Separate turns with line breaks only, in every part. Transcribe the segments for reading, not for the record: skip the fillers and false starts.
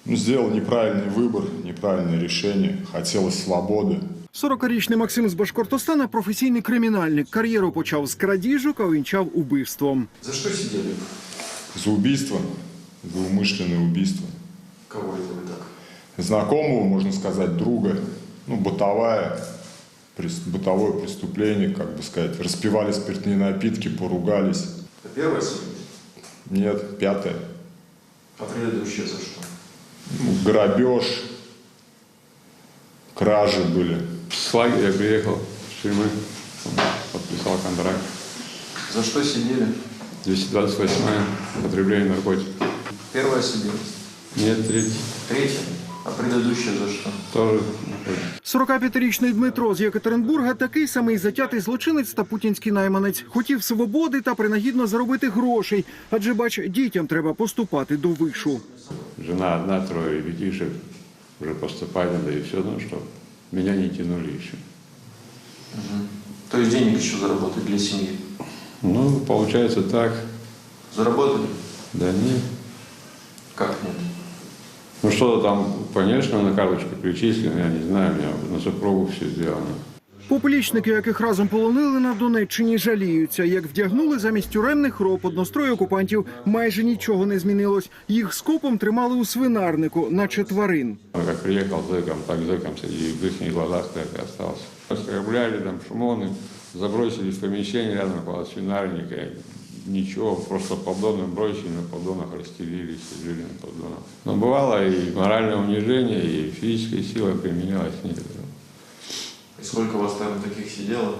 Сделал неправильный выбор, неправильное решение. Хотелось свободы.
40-річний Максим з Башкортостана – професійний кримінальник. Кар'єру почав з крадіжок, а увінчав убивством.
За что сидели?
За убийство, за умышленное убийство.
Кого это вы так?
Знакомого, можно сказать, друга. Бытовое преступление, как бы сказать. Распивали спиртные напитки, поругались.
Это первое судили?
Нет, 5-е.
А предыдущее за что?
Грабеж, кражи были.
С лагеря я приехал с тюрьмы, подписал контракт.
За что сидели?
228-е, употребление наркотиков.
Первое судили?
Нет, третье.
Третье? А предыдущее за что?
Тоже.
45-річний Дмитро з Єкатеринбурга – такий самий затятий злочинець та путінський найманець. Хотів свободи та принагідно заробити грошей. Адже, бач, дітям треба поступати до вишу.
Жена одна, 3 ребятишек, уже поступать надо и все, что меня не тянули еще.
То есть денег еще заработать для семьи?
Получается так.
Заработали?
Да нет.
Как нет?
Что-то там, конечно, на карточку перечислено, я не знаю, у меня на супругу все сделано.
Поплічники, яких разом полонили на Донеччині, жаліються. Як вдягнули замість тюремних роб однострой окупантів, майже нічого не змінилось. Їх скопом тримали у свинарнику, наче тварин.
Как приехал зэком, так зэком среди в их глазах так и остался. Оскорбляли там шумоны, забросили в помещение рядом около свинарника. Ничего, просто поддоны бросили, на поддонах расстелились, жили на поддонах. Но бывало и моральное унижение, и физическая сила применялась некоторым.
И сколько у вас там таких сидело?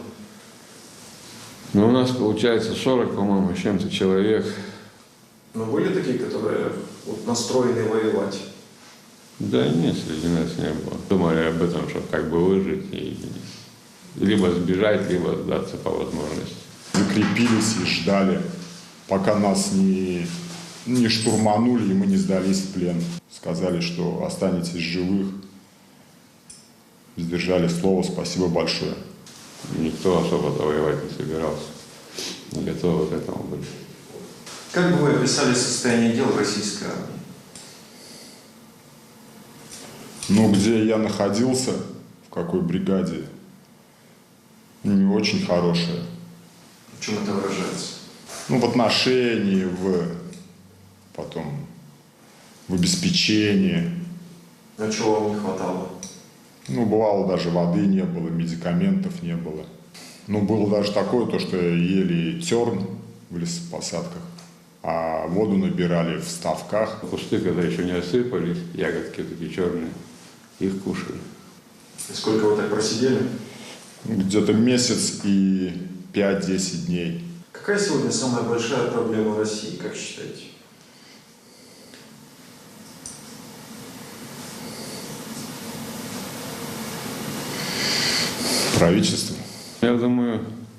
У нас получается 40, по-моему, с чем-то человек.
Но были такие, которые настроены воевать?
Да нет, среди нас не было. Думали об этом, чтобы как бы выжить и либо сбежать, либо сдаться по возможности.
Закрепились и ждали, пока нас не штурманули, и мы не сдались в плен. Сказали, что останетесь живых. Сдержали слово, спасибо большое.
Никто особо-то воевать не собирался. Не готовы к этому были.
Как бы вы описали состояние дел в российской армии?
Где я находился, в какой бригаде, не очень хорошее.
В чем это выражается?
В отношении, потом в обеспечении.
А чего вам не хватало?
Бывало, даже воды не было, медикаментов не было. Было даже такое, то, что ели терн в лесопосадках, а воду набирали в ставках.
Кусты, когда еще не осыпались, ягодки такие черные, их кушали.
И сколько вы так просидели?
Где-то месяц и 5-10 дней.
Какая сегодня самая большая проблема России, как считаете?
Правительство.
Я думаю,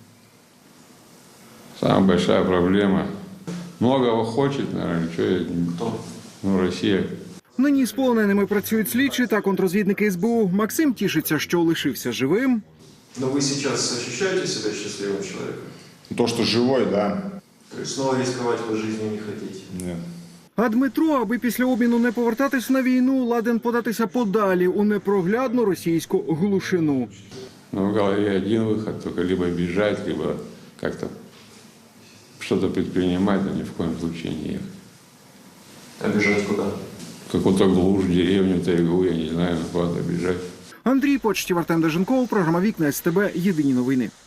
самая большая проблема. Многого хочет, наверное,
Кто?
Россия.
Нині з полоненими працюють слідчі та контррозвідники СБУ. Максим тішиться, що лишився живим.
Но вы сейчас ощущаете себя счастливым человеком?
То, что живой, да.
То есть снова рисковать вы жизнью не хотите?
Нет.
А Дмитро, аби після обміну не повертатись на війну, ладен податися подалі у непроглядну російську глушину.
Но в голове один выход, только либо бежать, либо как-то что-то предпринимать, но ни в коем случае не ехать.
А бежать куда?
Какую-то глушь, деревню, тайгу, я не знаю, куда бежать.
Андрій Почтів, Артем Деженков, програма «Вікна СТБ». Єдині новини.